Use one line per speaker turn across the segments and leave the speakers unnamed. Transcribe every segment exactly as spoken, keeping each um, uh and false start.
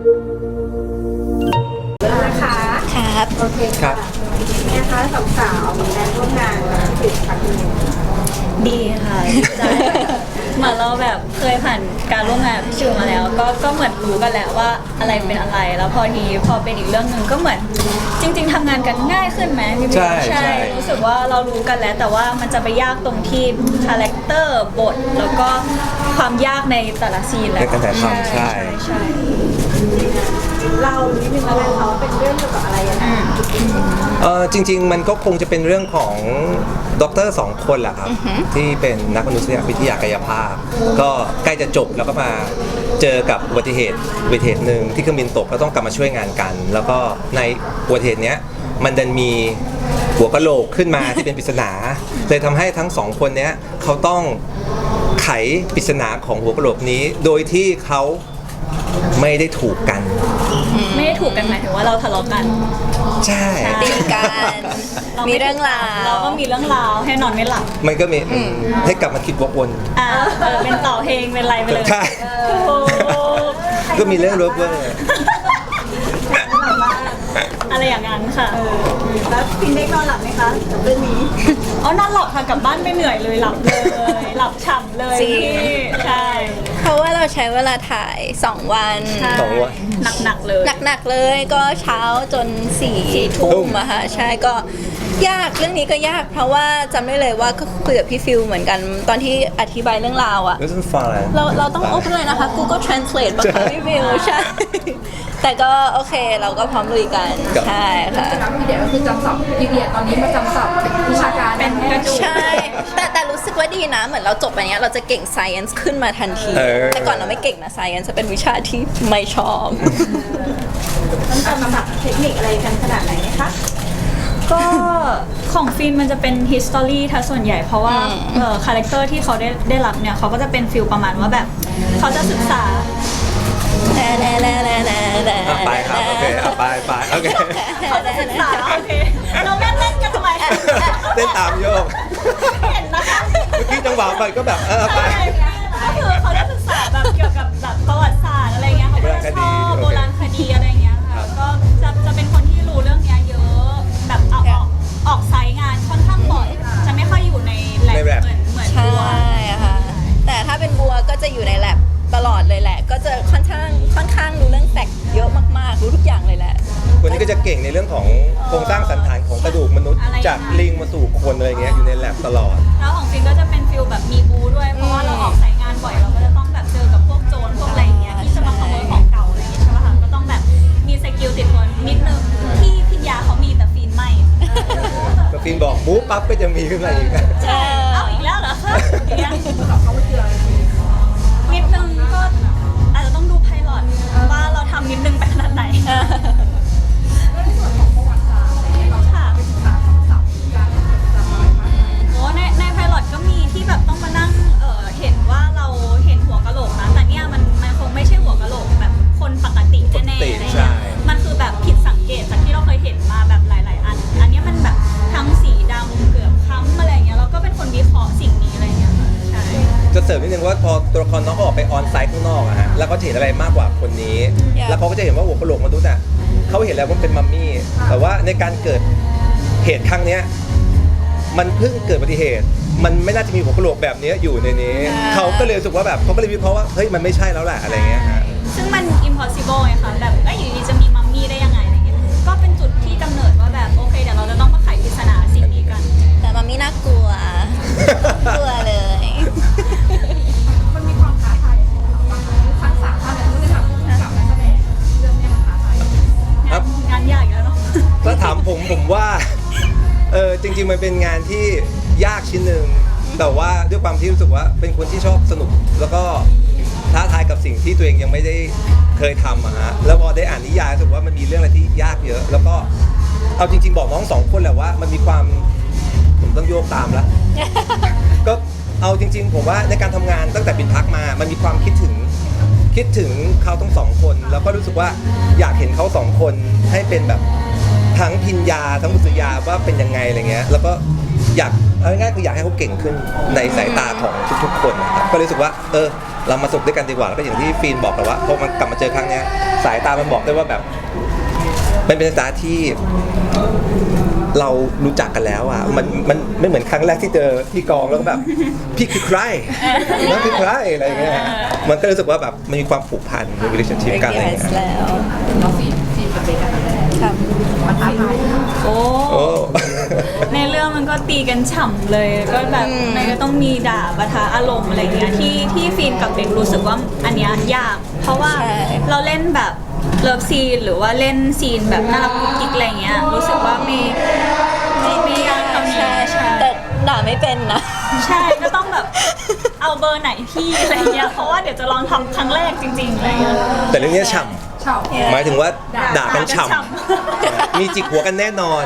นะคะครับโอเคครับนะคะสาวๆแรงร่วมงานติดครั้งนี้
ดีค่ะดีใจเหมือนเราแบบเคยผ่านการร่วมงานพี่ชูมาแล้วก็ก็เหมือนรู้กันแล้วว่าอะไรเป็นอะไรแล้วพอทีพอเป็นอีกเรื่องหนึ่งก็เหมือนจริง ๆทำงานกันง่ายขึ้นไหมพี่บิ๊กใช่รู้สึกว่าเรารู้กันแล้วแต่ว่ามันจะไปยากตรงที่คาแรคเตอร์บทแล้วก็ความยากในแต่ละซีนแหละ
ใช่ใช่
ใช่
เรานิดนึงแล้วกันเขาเป็นเรื่องเกี่ยวกับอะไรยังไง
เออจริงๆมันก็คงจะเป็นเรื่องของด็อกเตอร์สองคนแหละครับที่เป็นนักมนุษยวิทยากายภาพก็ใกล้จะจบแล้วก็มาเจอกับอุบัติเหตุอุบัติเหตุหนึ่งที่เครื่องบินตกก็ต้องกลับมาช่วยงานกันแล้วก็ในอุบัติเหตุเนี้ยมันดันมีหัวกะโหลกขึ้นมาที่เป็นปริศนาเลยทำให้ทั้งสองคนเนี้ยเขาต้องไขปริศนาของหัวกะโหลกนี้โดยที่เขาไม่ได้ถูกกัน
ไม่ได้ถูกกันหมายถึงว่าเราทะเลาะกัน
ใช่
ตีกันมีเรื่องราว
เราก็มีเรื่องราวให้นอนไม่หลับ
มันก็มีให้กลับมาคิดวกวน
อ่าเป็นต่อเพลงเป็นไรไปเลย
ใช่ก็มีเรื่องรบกวน
อะไรอย่างนั้นค่ะ
แล้วพินได้นอนหลับไหมคะกับเรื่องนี้
อ๋อนอนหลับค่ะกลับบ้านไปเหนื่อยเลยหลับเลยหลับฉ่ำเลยใช่
เพราะว่าเราใช้เวลาถ่ายสองวัน
สองวัน
หนักๆเลย
หนักๆเลยก็เช้าจนสี่ทุ่มอะค่ะใช่ก็ยากเรื่องนี้ก็ยากเพราะว่าจำได้เลยว่าก็คุยกับพี่ฟิลเหมือนกันตอนที่อธิบายเรื่องราวอะเราเราต้องโอเพนเลยนะคะ Google Translate บังคับพี่ฟิลใช่แต่ก็โอเคเราก็พร้อมลุยกันใช่ค่ะ
พี่เดี๋ยวก็คือจำศัพท์พี่เดียตอนนี้มาจำศัพท์วิชาการ
เป็นกระดูก
ใช่แต่แต่รู้สึกว่าดีนะเหมือนเราจบไปเนี้ยเราจะเก่ง science ขึ้นมาทันทีแต่ก่อนเราไม่เก่งนะ science จะเป็นวิชาที่ไม่ชอบ
ต้องจำศัพท์เทคนิคอะไรกันขนาดไหนไหมคะ
ก็ของฟินมันจะเป็น history ทั้งส่วนใหญ่เพราะว่าเอ่อคาแรคเตอร์ที่เขาได้ได้รับเนี่ยเขาก็จะเป็นฟิลประมาณว่าแบบเขาจะศึกษา
ไปครับโอเคไปไปโอเค
เขาจะศึกษาโอเคเราเล่นเล่นกันทำไม
เต้นตามโยก
เห็นนะคะ
เมื่อกี้จังหวะไปก็แบบเออไป
ก็คือเขาจะศึกษาแบบเกี่ยวกับแบบประวัติศาสตร์อะไรเงี้ยเขาจะชอบโบราณคดีอะไรเงี้ยค่ะก็จะจะเป็นคนที่รู้เรื่องนี้เยอะแบบเอาออกออกไซต์งานค่อนข้างบ่อยจะไม่ค่อยอยู่ในแลบเหมือนเหมือนบัว
ใช่ค่ะแต่ถ้าเป็นบัวก็จะอยู่ในแลบตลอดเลยแหละก็จะค่อนข้างค่อนข้างรู้เรื่องแฟกต์เยอะมากๆรู้ทุกอย่างเลยแหละ
คนนี้ก็จะเก่งในเรื่องของโครงสร้างสันฐานของกระดูกมนุษย์จากลิงมาสู่คนอะไรเงี้ยอยู่ในแลบตลอด
แล้วของฟินก็จะเป็นฟิลแบบมีบูด้วยเพราะว่าเราออกไซต์งานบ่อยเราก็จะต้องแบบเจอกับพวกโจรพวกอะไรเงี้ยที่จะมาขโมยของเก่าอะไรอย่างเงี้ยใช่ป่ะคะก็ต้องแบบมีสกิลติดตัวนิดนึงที่พิญญาเขามีแต่ฟินไม่
ก็ฟินบอกบู๊ปั๊บก็จะมีขึ้นมาอีก
ใช่เอาอีกแล้วเหรอคะนิดนึงก็อาจจะต้องดูไพลอตว่าเราทำนิดนึงไปขนาดไหนโอ้ในในไพลอตก็มีที่แบบต้องมานั่งเออเห็นว่าเราเห็นหัวกะโหลกนะแต่เนี่ยมันมันคงไม่ใช่หัวกะโหลกแบบคนปกติแน่ๆอะไรเงี้ยมันคือแบบผิดสังเกตจากที่เราเคยเห็นมาแบบหลายๆอันอันนี้มันแบบทั้งสีดำเกือบค้ำอะไรเงี้ยแล้วก็เป็นคนวิเคราะห์สิ่งนี้อะไรเงี้ยใช่
จะเสริมนิดนึงว่าพอตัวละครน้องออกไปออนไซต์ข้างนอกอะฮะแล้วก็เห็นอะไรมากกว่าคนนี้แล้วเขาก็จะเห็นว่าหัวกะโหลกมนุษย์อะเขาเห็นแล้วว่าเป็นมัมมี่แต่ว่าในการเกิดเหตุครั้งนี้มันเพิ่งเกิดอุบัติเหตุมันไม่น่าจะมีหัวกะโหลกแบบนี้อยู่ในนี้เขาก็เลยรู้สึกว่าแบบเขาก็เลยวิเคราะห์ว่าเฮ้ยมันไม่ใช่แล้วแหละอะไรเงี้ยฮะ
ซึ่งมัน impossible ไงคะแบบเอ้ยอยู่ดีจะมีมัมมี่ได้ยังไงอะไรเงี้ยก็เป็นจุดที่กำเนิดว่าแบบโอเคเดี๋ยวเราจะต้องมาไขปริศนาสิ่งนี้กัน
แต่มัมมี่น่ากลัวกลัวเลย
มันมีความท้าทายทั้งสามท่านเลยที่ทำกับนักแสดงเรื่องนี้มันท้าทาย
ครับ
งานยากแล้วเนาะ
ถ้าถามผมผมว่าเออจริงๆมันเป็นงานที่ยากชิ้นหนึ่งแต่ว่าด้วยความที่รู้สึกว่าเป็นคนที่ชอบสนุกแล้วก็ท้าทายกับสิ่งที่ตัวเองยังไม่ได้เคยทำอะฮะแล้วพอได้อ่านนิยายรู้สึกว่ามันมีเรื่องอะไรที่ยากเยอะแล้วก็เอาจริงๆบอกน้องสองคนแหละว่ามันมีความผมต้องโยกตามแล้วก็เอาจริงๆผมว่าในการทำงานตั้งแต่บินพักมามันมีความคิดถึงคิดถึงเขาทั้งสองคนแล้วก็รู้สึกว่าอยากเห็นเขาสองคนให้เป็นแบบทั้งพิญญาทั้งบุษยาว่าเป็นยังไงอะไรเงี้ยแล้วก็อยากเอาง่ายๆคืออยากให้เขาเก่งขึ้นในสายตาของทุกๆคนนะครับก็รู้สึกว่าเออเรามาสนุกด้วยกันดีกว่าแล้วก็อย่างที่ฟีนบอกแหละว่าพอมันกลับมาเจอครั้งเนี้ยสายตามันบอกได้ว่าแบบมันเป็นสายตาที่เรารู้จักกันแล้วอ่ะมันมันไม่เหมือนครั้งแรกที่เจอที่กองแล้วก็แบบพี่คือใครน้องคือใครอะไรเงี้ยมันก็รู้สึกว่าแบบมันมีความผูกพันมี relationship กันอะไรเงี้ย
แล้ว
น้องฟีนฟีนกับเบคกัน
ครับ
มันท้าทาย
โอ้
โอ้
ในเรื่องมันก็ตีกันฉ่ำเลยก็แบบมันก็ต้องมีด่าปะทะอารมณ์อะไรเงี้ยที่ที่ฟีนกับเบกรู้สึกว่าอันเนี้ยยาก เพราะว่าเราเล่นแบบเลิฟซีนหรือว่าเล่นซีนแบบน่ารักกุ๊กกิ๊กอะไรเงี้ยรู้สึกว่าไม่ไม่ไม่ยากเท่านี้
ใช่ใช่แต่ด่าไม่เป็นนะ
ใช่ก็ต้องแบบเอาเบอร์ไหนพี่อะไรเงี้ยเพราะว่าเดี๋ยวจะลองทำครั้งแรกจริงๆอะไรเงี้ย
แต่เรื่องนี้ฉ่
เฉา
ำหมายถึงว่าด่ากันฉ่
ด่ากันฉ่
ำมีจิกหัวกันแน่นอน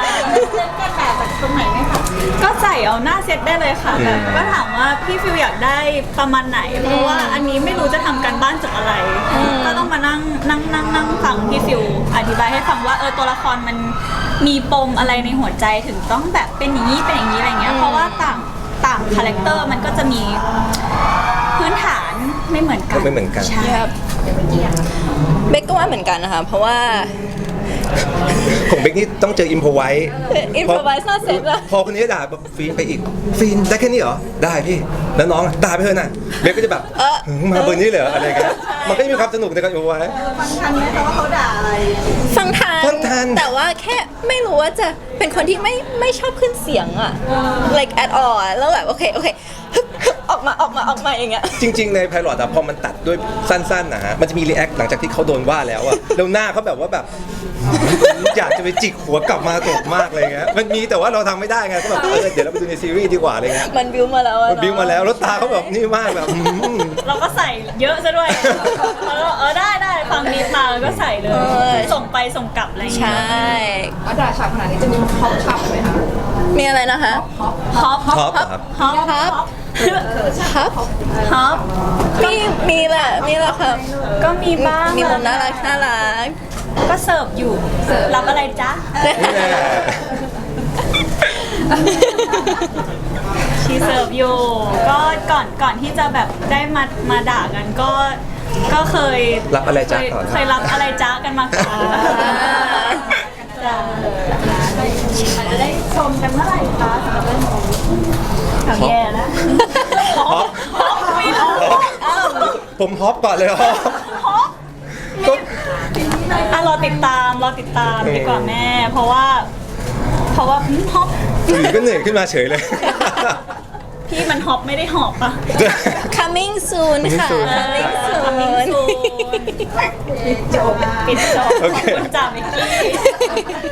ก็ใส่เอาหน้าเซตได้เลยค่ะ
อืม
แบบก็ถามว่าพี่ฟิวอยากได้ประมาณไหน เพราะว่าอันนี้ไม่รู้จะทำการบ้านจากอะไร ก็ต้องมานั่งนั่งนั่งนั่งฟังพี่ฟิวอธิบายให้ฟังว่าเออตัวละครมันมีปมอะไรในหัวใจถึงต้องแบบเป็นอย่างนี้เป็นอย่างนี้อะไรเงี้ยเพราะว่าต่างต่างคาแรคเตอร์มันก็จะมีพื้นฐานไม่เหมือนกัน
ไม่เหมือนกัน
ใช่
ครับเบกก็ว่าเหมือนกันนะคะเพราะว่า
ของเบกนี่ต้องเจออิมพอไว้
improvise หน้าเซตอะ
พอคนนี้ด่าแบบฟีนไปอีกฟีนได้แค่นี้เหรอได้พี่แล้วน้องอะด่าไปเถอะนะเบกก็จะแบบ
เออ
หึมาเบอร์นี้เลยเหรออะไรกันมันก็จะมีความสนุกในการอิมพอไว้
ฟังทันไหมคะว่าเขาด่าอะไร
ฟังทัน
ฟังทัน
แต่ว่าแค่ไม่รู้ว่าจะเป็นคนที่ไม่ไม่ชอบขึ้นเสียงอะ like at all อะแล้วแบบโอเคโอเคฮึบฮึบออกมาออกมาออกมาอย่างเงี้ย
จริง ๆ ในไพลอตอะพอมันตัดด้วยสั้นๆนะฮะมันจะมีรีแอคหลังจากที่เขาโดนว่าแล้วอะแล้วหน้าเขาแบบว่าแบบอยากจะไปจิกหัวกลับมาตกมากเลยเงี้ยมันมีแต่ว่าเราทำไม่ได้ไงก็แบบเออเดี๋ยวเราไปดูในซีรีส์ดีกว่าอะไรเงี้ย
มันบิวมาแล้วอะ
มันบิ้วมาแล้วแล้วตาเขาแบบนี่มากแบบอืม
เราก็ใส่เยอะซะด้วยแล้วก็เออได้ได้ฟังนิดมาแล้วก็ใส่เลย ส่งไปส่งกลับอะไรอย่าง
ใช
เงี้ย่
ว่าด่าฉากขนาดนี้จะมีฮอปฉ่ำไหมคะ
มีอะไรนะคะ
ฮอป
ท็อปเหรอครับ
ฮอป
ครับ ครับ
ฮอป
มีมีแหละมีแหละครับ
ก็มีบ้าง
มีมุมน่ารักน่ารัก
ก็เสิร์ฟอยู่รับอะไรจ๊ะ
นี่แหละ
ชีเสิร์ฟอยู่ก็ก่อนก่อนที่จะแบบได้มามาด่ากันก็ก็เคย
รับอะไรจ๊ะ
เคย
ก่อน
เคยรับอะไรจ๊ะกันมาก่อนจ้ะอาจจะได้ชมกันเมื่อไหร่คะสำหรับเรื่องนี้ข่าวแย่แล้ว
ฮอป
ฮอปไม่รู้
ผมฮอปก่อนเลยฮอป
ฮอป
ก็
อ่ะรอติดตามรอติดตามดีกว่าแม่ เพราะว่า เพราะว่าอืมฮอป
อยู่ก็เหนื่อยขึ้นมาเฉยเลย
พี่มันฮอปไม่ได้หอบปะ
coming soon ค่ะ coming
ทำมิ่ง
soon
ซูนปิดจบปิดจบ
โอเค
ขอบคุณจ่าเมกกี้